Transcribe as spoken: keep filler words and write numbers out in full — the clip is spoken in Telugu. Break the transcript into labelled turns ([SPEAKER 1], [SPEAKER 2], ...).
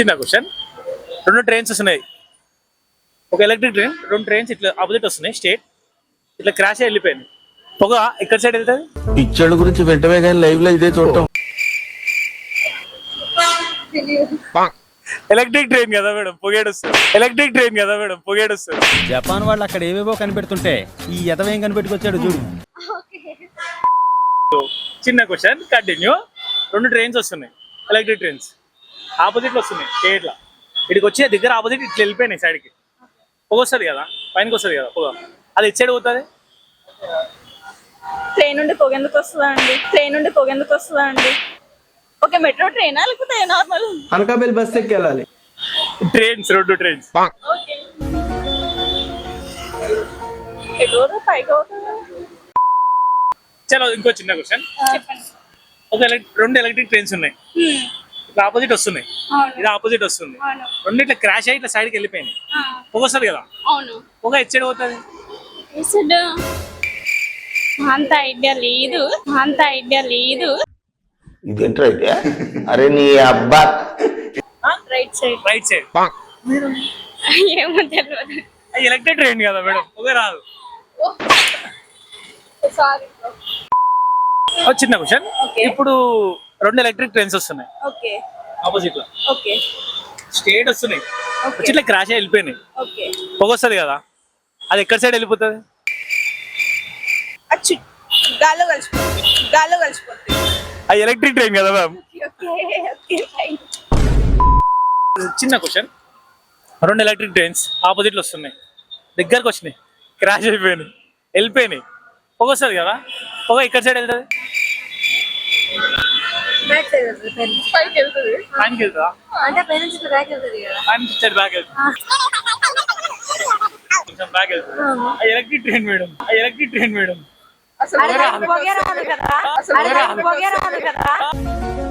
[SPEAKER 1] చిన్న క్వశ్చన్. రెండు ట్రైన్స్ వస్తున్నాయి, ఒక ఎలక్ట్రిక్ ట్రైన్, రెండు ట్రైన్స్ ఇట్లా ఆపోజిట్ వస్తున్నాయి స్టేట్, ఇట్లా క్రాష్ అయ్యి వెళ్ళిపోయింది. పొగ ఎక్కడ సైడ్ వెళ్తుంది?
[SPEAKER 2] పిక్చర్ గురించి వెంటనే కానీ లైవ్ లో ఇదే చూడటం.
[SPEAKER 1] ఎలక్ట్రిక్ ట్రైన్ కదా మేడం, పొగేడు వస్తుంది. ఎలక్ట్రిక్ ట్రైన్ కదా మేడం, పొగేడు వస్తుంది.
[SPEAKER 3] జపాన్ వాళ్ళు అక్కడ ఏవేవో కనిపెడుతుంటే ఈ ఎదవేం కనిపెట్టుకొచ్చాడు చూడు.
[SPEAKER 1] చిన్న క్వశ్చన్ కంటిన్యూ. రెండు ట్రైన్స్ వస్తున్నాయి, ఎలక్ట్రిక్ ట్రైన్స్ ఆపోజిట్ లో వస్తున్నాయి స్టేట్ లా. ఇక్కడికి వచ్చే దగ్గర ఆపోజిట్ ఇట్లా వెళ్ళిపోయినాయి సైడ్కి. పొగ వస్తుంది కదా, పైనకి వస్తుంది కదా పొగ, అది ఇటు సైడ్ పోతుంది.
[SPEAKER 4] ట్రైన్ నుండి పొగ ఎందుకు వస్తుందా అండి? ట్రైన్ నుండి పొగ ఎందుకు వస్తుందా అండి? ఓకే, మెట్రో ట్రైనా లేకపోతే నార్మల్
[SPEAKER 5] అనకాపల్లి బస్ ఎక్కి వెళ్ళాలి.
[SPEAKER 1] ట్రైన్స్, రెండు ట్రైన్స్.
[SPEAKER 4] ఓకే, ఎటు పైకి అవుతుందా?
[SPEAKER 1] చలో ఇంకో చిన్న క్వశ్చన్.
[SPEAKER 4] చెప్పండి.
[SPEAKER 1] ఒక ఎలక్ట్రిక్ రెండు ఎలక్ట్రిక్ ట్రైన్స్ ఉన్నాయి, ఇట్లా ఆపోజిట్ వస్తున్నాయి, ఇది ఆపోజిట్ వస్తుంది. రెండు ఇట్లా క్రాష్ అయ్యి ఇట్లా సైడ్కి వెళ్ళిపోయినాయి. పొగ వస్తుంది కదా,
[SPEAKER 4] అవును.
[SPEAKER 1] పొగ ఎటు సైడ్ పోతుంది?
[SPEAKER 4] అంత ఐడియా లేదు, అంత ఐడియా లేదు.
[SPEAKER 2] ఇదేంటి ఐడియా? అరే నీ అబ్బా.
[SPEAKER 4] Right side.
[SPEAKER 1] Right side.
[SPEAKER 4] ఏమో తెలియదు.
[SPEAKER 1] ఎలక్ట్రిక్ ట్రైన్ కదా మేడం, పొగ రాదు.
[SPEAKER 4] సారీ.
[SPEAKER 1] చిన్న క్వశ్చన్. ఇప్పుడు రెండు ఎలక్ట్రిక్ ట్రైన్స్ వస్తున్నాయి
[SPEAKER 4] ఓకే
[SPEAKER 1] ఆపోజిట్ లో,
[SPEAKER 4] ఓకే
[SPEAKER 1] స్టేట్ వస్తున్నాయి, వచ్చి ఇట్లా క్రాష్ అయ్యి వెళ్ళిపోయినాయి.
[SPEAKER 4] ఓకే,
[SPEAKER 1] పొగ వస్తుంది కదా, అది ఎక్కడ సైడ్ వెళ్ళిపోతుంది?
[SPEAKER 4] అచ్చు గాల్లో కలిసిపోతుంది, గాల్లో కలిసిపోతుంది.
[SPEAKER 1] అది ఎలక్ట్రిక్ ట్రైన్ కదా మ్యామ్.
[SPEAKER 4] Okay okay.
[SPEAKER 1] చిన్న క్వశ్చన్. రెండు ఎలక్ట్రిక్ ట్రైన్స్ ఆపోజిట్ లో వస్తున్నాయి, దగ్గరకు వచ్చినాయి, క్రాష్ అయిపోయినాయి, వెళ్ళిపోయినాయి. పొగ వస్తుంది కదా, పొగ ఇక్కడ సైడ్ వెళ్తుంది?
[SPEAKER 4] పైకి వెళ్తుంది.
[SPEAKER 1] పైనకి వెళ్తుందా?
[SPEAKER 4] అంటే పై నుంచి బ్యాక్ వెళ్తుంది కదా.
[SPEAKER 1] పైన నుంచి బ్యాక్ వెళ్తుంది, కొంచెం బ్యాక్ వెళ్తుంది. అది ఎలక్ట్రిక్ ట్రైన్ మేడం, అది ఎలక్ట్రిక్ ట్రైన్ మేడం.
[SPEAKER 4] అసలు పొగ రాదు కదా, అసలు పొగ రాదు కదా.